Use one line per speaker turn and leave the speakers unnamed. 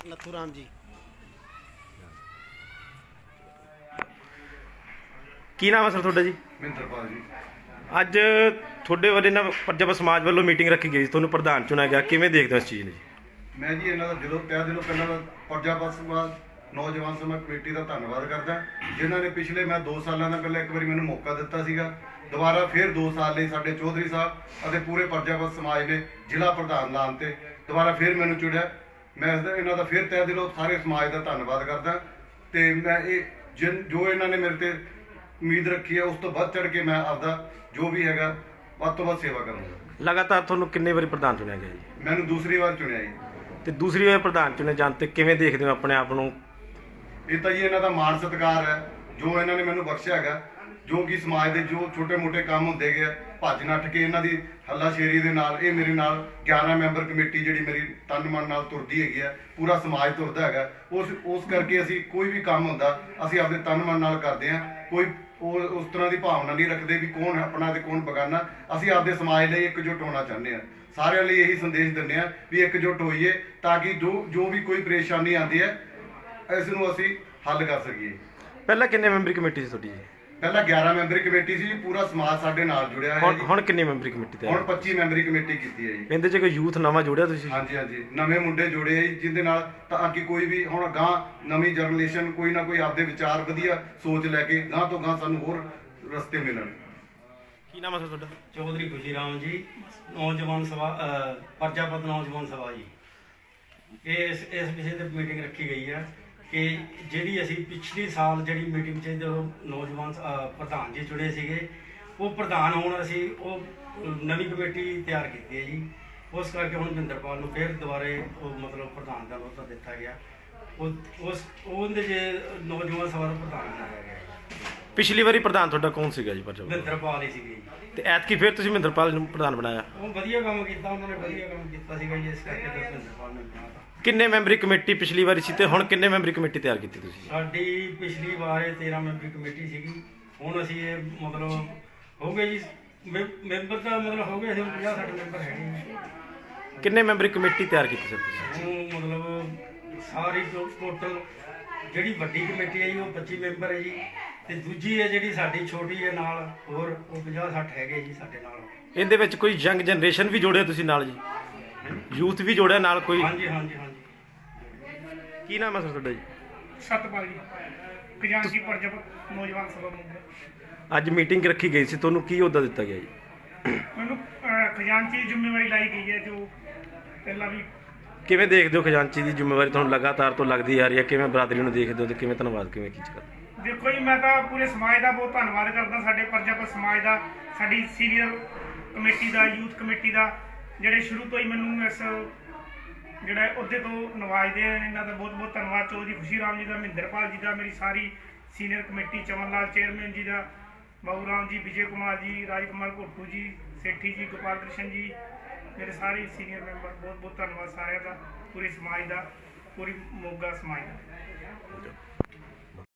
ਲੱਥੂ ਰਾਮ ਜੀ।
ਕੀ ਨਾਮ ਹੈ ਸਰ ਤੁਹਾਡਾ ਜੀ?
ਮਹਿੰਦਰਪਾਲ ਜੀ।
ਅੱਜ ਤੁਹਾਡੇ ਵੱਲੋਂ ਨਾ ਪਰਜਾਪਤ ਸਮਾਜ ਵੱਲੋਂ ਮੀਟਿੰਗ ਰੱਖੀ ਗਈ ਸੀ, ਤੁਹਾਨੂੰ ਪ੍ਰਧਾਨ ਚੁਣਿਆ ਗਿਆ, ਕਿਵੇਂ ਦੇਖਦੇ ਹੋ ਇਸ ਚੀਜ਼ ਨੂੰ ਜੀ?
ਮੈਂ ਜੀ ਇਹਨਾਂ ਦਾ ਜਦੋਂ ਤਹਿ ਦਿਲੋਂ ਪਹਿਲਾਂ ਪਰਜਾਪਤ ਸਮਾਜ ਨੌਜਵਾਨ ਸਮਾਜ ਕਮੇਟੀ ਦਾ ਧੰਨਵਾਦ ਕਰਦਾ, ਜਿਨ੍ਹਾਂ ਨੇ ਪਿਛਲੇ ਮੈਂ 2 ਸਾਲਾਂ ਦਾ ਪਹਿਲਾਂ ਇੱਕ ਵਾਰੀ ਮੈਨੂੰ ਮੌਕਾ ਦਿੱਤਾ ਸੀਗਾ। ਦੁਬਾਰਾ ਫਿਰ 2 ਸਾਲ ਲਈ ਸਾਡੇ ਚੌਧਰੀ ਸਾਹਿਬ ਅਤੇ ਪੂਰੇ ਪਰਜਾਪਤ ਸਮਾਜ ਨੇ ਜ਼ਿਲ੍ਹਾ ਪ੍ਰਧਾਨ ਲਾਉਣ ਤੇ ਦੁਬਾਰਾ ਫਿਰ ਮੈਨੂੰ ਚੁਣਿਆ। ਮੈਂ ਇਹਨਾਂ ਦਾ ਫਿਰ ਤਹਿ ਦਿਲੋਂ ਸਾਰੇ ਸਮਾਜ ਦਾ ਧੰਨਵਾਦ ਕਰਦਾ ਤੇ ਮੈਂ ਇਹ ਜੋ ਇਹਨਾਂ ਨੇ ਮੇਰੇ ਤੇ ਉਮੀਦ ਰੱਖੀ ਹੈ ਉਸ ਤੋਂ ਵੱਧ ਚੜ ਕੇ ਮੈਂ ਆਪਦਾ ਜੋ ਵੀ ਹੈਗਾ ਵੱਧ ਤੋਂ ਵੱਧ ਸੇਵਾ ਕਰੂੰਗਾ।
ਲਗਾਤਾਰ ਤੁਹਾਨੂੰ ਕਿੰਨੇ ਵਾਰੀ ਪ੍ਰਧਾਨ ਚੁਣਿਆ ਗਿਆ ਜੀ?
ਮੈਨੂੰ ਦੂਸਰੀ ਵਾਰ ਚੁਣਿਆ ਜੀ।
ਤੇ ਦੂਸਰੀ ਵਾਰ ਪ੍ਰਧਾਨ ਚੁਣੇ ਜਾਣ ਤੇ ਕਿਵੇਂ ਦੇਖਦੇ ਹੋ ਆਪਣੇ ਆਪ ਨੂੰ?
ਇਹ ਤਾਂ ਜੀ ਇਹਨਾਂ ਦਾ ਮਾਣ ਸਤਿਕਾਰ ਹੈ ਜੋ ਇਹਨਾਂ ਨੇ ਮੈਨੂੰ ਬਖਸ਼ਿਆ ਹੈਗਾ, ਜੋ ਕਿ ਸਮਾਜ ਦੇ ਜੋ ਛੋਟੇ ਮੋਟੇ ਕੰਮ ਹੁੰਦੇ ਗਏ ਭੱਜ ਨੱਠ ਕੇ ਇਹਨਾਂ ਦੀ ਹੱਲਾਸ਼ੇਰੀ ਦੇ ਨਾਲ ਇਹ ਮੇਰੇ ਨਾਲ 11 ਮੈਂਬਰ ਕਮੇਟੀ ਜਿਹੜੀ ਮੇਰੀ ਤਨ ਮਨ ਨਾਲ ਤੁਰਦੀ ਹੈਗੀ ਹੈ, ਪੂਰਾ ਸਮਾਜ ਤੁਰਦਾ ਹੈਗਾ। ਉਸ ਕਰਕੇ ਅਸੀਂ ਕੋਈ ਵੀ ਕੰਮ ਹੁੰਦਾ ਅਸੀਂ ਆਪਣੇ ਤਨ ਮਨ ਨਾਲ ਕਰਦੇ ਹਾਂ। ਕੋਈ ਉਸ ਤਰ੍ਹਾਂ ਦੀ ਭਾਵਨਾ ਨਹੀਂ ਰੱਖਦੇ ਵੀ ਕੌਣ ਆਪਣਾ ਤੇ ਕੌਣ ਬਗਾਨਾ। ਅਸੀਂ ਆਪਦੇ ਸਮਾਜ ਲਈ ਇਕਜੁੱਟ ਹੋਣਾ ਚਾਹੁੰਦੇ ਹਾਂ। ਸਾਰਿਆਂ ਲਈ ਇਹੀ ਸੰਦੇਸ਼ ਦਿੰਦੇ ਹਾਂ ਵੀ ਇਕਜੁੱਟ ਹੋਈਏ ਤਾਂ ਕਿ ਜੋ ਵੀ ਕੋਈ ਪਰੇਸ਼ਾਨੀ ਆਉਂਦੀ ਹੈ ਇਸ ਨੂੰ ਅਸੀਂ ਹੱਲ ਕਰ ਸਕੀਏ।
ਪਹਿਲਾਂ ਕਿੰਨੇ ਮੈਂਬਰੀ ਕਮੇਟੀ ਸੀ ਤੁਹਾਡੀ ਜੀ?
ਪਹਿਲਾਂ 11 ਮੈਂਬਰੀ ਕਮੇਟੀ ਸੀ, ਪੂਰਾ ਸਮਾਜ ਸਾਡੇ ਨਾਲ ਜੁੜਿਆ ਹੈ ਜੀ।
ਹੁਣ ਕਿੰਨੀ ਮੈਂਬਰੀ ਕਮੇਟੀ ਤੇ?
ਹੁਣ 25 ਮੈਂਬਰੀ ਕਮੇਟੀ ਕੀਤੀ ਹੈ ਜੀ।
ਇਹਦੇ 'ਚ ਕੋਈ ਯੂਥ ਨਵਾਂ ਜੋੜਿਆ ਤੁਸੀਂ?
ਹਾਂਜੀ ਹਾਂਜੀ, ਨਵੇਂ ਮੁੰਡੇ ਜੁੜੇ ਆ ਜੀ, ਜਿਹਦੇ ਨਾਲ ਤਾਂ ਕਿ ਕੋਈ ਵੀ ਹੁਣ ਗਾਂ ਨਵੀਂ ਜਨਰੇਸ਼ਨ ਕੋਈ ਨਾ ਕੋਈ ਆਪਦੇ ਵਿਚਾਰ ਵਧੀਆ ਸੋਚ ਲੈ ਕੇ ਗਾਂ ਤੋਂ ਗਾਂ ਸਾਨੂੰ ਹੋਰ ਰਸਤੇ ਮਿਲਣ।
ਕੀ ਨਾਮ ਹੈ ਸਰ ਤੁਹਾਡਾ?
ਚੌਧਰੀ ਖੁਸ਼ੀ ਰਾਮ ਜੀ, ਨੌਜਵਾਨ ਸਭਾ ਪਰਜਾਪਤ ਨੌਜਵਾਨ ਸਭਾ ਜੀ। ਇਸ ਵਿਸ਼ੇ ਤੇ ਮੀਟਿੰਗ ਰੱਖੀ ਗਈ ਹੈ ਕਿ ਜਿਹੜੀ ਅਸੀਂ ਪਿਛਲੇ ਸਾਲ ਜਿਹੜੀ ਮੀਟਿੰਗ 'ਚ ਜਦੋਂ ਨੌਜਵਾਨ ਪ੍ਰਧਾਨ ਜੀ ਚੁਣੇ ਸੀਗੇ, ਉਹ ਪ੍ਰਧਾਨ ਹੁਣ ਅਸੀਂ ਉਹ ਨਵੀਂ ਕਮੇਟੀ ਤਿਆਰ ਕੀਤੀ ਹੈ ਜੀ। ਉਸ ਕਰਕੇ ਹੁਣ ਮਹਿੰਦਰਪਾਲ ਨੂੰ ਫਿਰ ਦੁਬਾਰੇ ਉਹ ਮਤਲਬ ਪ੍ਰਧਾਨ ਦਾ ਅਹੁਦਾ ਦਿੱਤਾ ਗਿਆ। ਉਹਦੇ 'ਚ ਨੌਜਵਾਨ ਸਭਾ ਦਾ ਪ੍ਰਧਾਨ ਬਣਾਇਆ ਗਿਆ।
ਪਿਛਲੀ ਵਾਰੀ ਪ੍ਰਧਾਨ ਤੁਹਾਡਾ ਕੌਣ ਸੀਗਾ ਜੀ ਪਰਜਾਪਤ?
ਮਹਿੰਦਰਪਾਲ ਹੀ ਸੀਗੇ ਜੀ।
ਤੇ ਐਤਕੀ ਫਿਰ ਤੁਸੀਂ ਮਹਿੰਦਰਪਾਲ ਨੂੰ ਪ੍ਰਧਾਨ ਬਣਾਇਆ?
ਉਹ ਵਧੀਆ ਕੰਮ ਕੀਤਾ, ਉਹਨਾਂ ਨੇ ਵਧੀਆ ਕੰਮ ਕੀਤਾ ਸੀਗਾ ਜੀ, ਇਸ ਕਰਕੇ ਫਿਰ ਮਹਿੰਦਰਪਾਲ ਨੇ ਬਣਾਇਆ।
ਕਿੰਨੇ ਮੈਂਬਰੀ ਕਮੇਟੀ ਪਿਛਲੀ ਵਾਰੀ ਸੀ ਤੇ ਹੁਣ ਕਿੰਨੇ ਮੈਂਬਰੀ ਕਮੇਟੀ ਤਿਆਰ ਕੀਤੀ ਤੁਸੀਂ?
ਸਾਡੀ ਪਿਛਲੀ ਵਾਰ 13 ਮੈਂਬਰੀ ਕਮੇਟੀ ਸੀਗੀ, ਹੁਣ ਅਸੀਂ ਇਹ ਮਤਲਬ ਹੋ ਗਏ ਜੀ ਮੈਂਬਰ ਤਾਂ ਮਤਲਬ ਹੋ ਗਏ ਅਸੀਂ 50-60 ਮੈਂਬਰ ਹੈਗੇ ਜੀ।
ਕਿੰਨੇ ਮੈਂਬਰੀ ਕਮੇਟੀ ਤਿਆਰ ਕੀਤੀ ਸਰ ਤੁਸੀਂ?
ਹੁਣ ਮਤਲਬ ਸਾਰੀ ਟੋਟਲ ਜਿਹੜੀ ਵੱਡੀ ਕਮੇਟੀ ਹੈ ਜੀ ਉਹ 25 ਮੈਂਬਰ ਹੈ ਜੀ, ਤੇ ਦੂਜੀ ਹੈ ਜਿਹੜੀ ਸਾਡੀ ਛੋਟੀ ਹੈ ਨਾਲ ਹੋਰ ਉਹ 50-60 ਹੈਗੇ ਜੀ ਸਾਡੇ ਨਾਲ।
ਇਹਦੇ ਵਿੱਚ ਕੋਈ ਯੰਗ ਜਨਰੇਸ਼ਨ ਵੀ ਜੋੜਿਆ ਤੁਸੀਂ ਨਾਲ ਜੀ? ਯੂਥ ਵੀ ਜੋੜਿਆ ਨਾਲ ਕੋਈ?
ਹਾਂਜੀ ਹਾਂਜੀ ਹਾਂਜੀ।
ਕੀ ਨਾਮ ਹੈ ਸਰ ਤੁਹਾਡਾ ਜੀ?
ਸਤਪਾਲ ਜੀ, ਖਜ਼ਾਨਚੀ ਪਰਜਾਪਤ ਨੌਜਵਾਨ ਸਭਾ ਮੁੰਡਾ।
ਅੱਜ ਮੀਟਿੰਗ ਰੱਖੀ ਗਈ ਸੀ, ਤੁਹਾਨੂੰ ਕੀ ਅਹੁਦਾ ਦਿੱਤਾ ਗਿਆ ਜੀ?
ਮੈਨੂੰ ਖਜ਼ਾਨਚੀ ਦੀ ਜ਼ਿੰਮੇਵਾਰੀ ਲਾਈ ਗਈ ਹੈ, ਜੋ ਪਹਿਲਾਂ ਵੀ।
ਕਿਵੇਂ ਦੇਖਦੇ ਹੋ ਖਜ਼ਾਨਚੀ ਦੀ ਜ਼ਿੰਮੇਵਾਰੀ ਤੁਹਾਨੂੰ ਲਗਾਤਾਰ ਤੋਂ ਲੱਗਦੀ ਆ ਰਹੀ ਹੈ? ਕਿਵੇਂ ਬਰਾਦਰੀ ਨੂੰ ਦੇਖਦੇ ਹੋ ਤੇ ਕਿਵੇਂ ਧੰਨਵਾਦ ਕਿਵੇਂ ਕੀ ਕਰਦੇ?
ਦੇਖੋ ਜੀ, ਮੈਂ ਤਾਂ ਪੂਰੇ ਸਮਾਜ ਦਾ ਬਹੁਤ ਧੰਨਵਾਦ ਕਰਦਾ, ਸਾਡੇ ਪਰਜਾਪਤ ਸਮਾਜ ਦਾ, ਸਾਡੀ ਸੀਨੀਅਰ ਕਮੇਟੀ ਦਾ, ਯੂਥ ਕਮੇਟੀ ਦਾ, ਜਿਹੜੇ ਸ਼ੁਰੂ ਤੋਂ ਹੀ ਮੈਨੂੰ ਇਸ ਜਿਹੜਾ ਅਹੁਦੇ ਤੋਂ ਨਵਾਜਦੇ ਹਨ। ਇਹਨਾਂ ਦਾ ਬਹੁਤ ਬਹੁਤ ਧੰਨਵਾਦ। ਚੌਧਰੀ ਖੁਸ਼ੀ ਰਾਮ ਜੀ ਦਾ, ਮਹਿੰਦਰਪਾਲ ਜੀ ਦਾ, ਮੇਰੀ ਸਾਰੀ senior committee, Chaman Lal chairman ji ਦਾ, ਬਾਬੂ ਰਾਮ ਜੀ, ਵਿਜੇ ਕੁਮਾਰ ਜੀ, ਰਾਜ ਕੁਮਾਰ ਘੋਟੂ ਜੀ, ਸੇਠੀ ਜੀ, ਗੋਪਾਲ ਕ੍ਰਿਸ਼ਨ ਜੀ, ਮੇਰੇ ਸਾਰੇ ਸੀਨੀਅਰ ਮੈਂਬਰ, ਬਹੁਤ ਬਹੁਤ ਧੰਨਵਾਦ ਸਾਰਿਆਂ ਦਾ, ਪੂਰੇ ਸਮਾਜ ਦਾ, ਪੂਰੀ ਮੋਗਾ ਸਮਾਜ ਦਾ।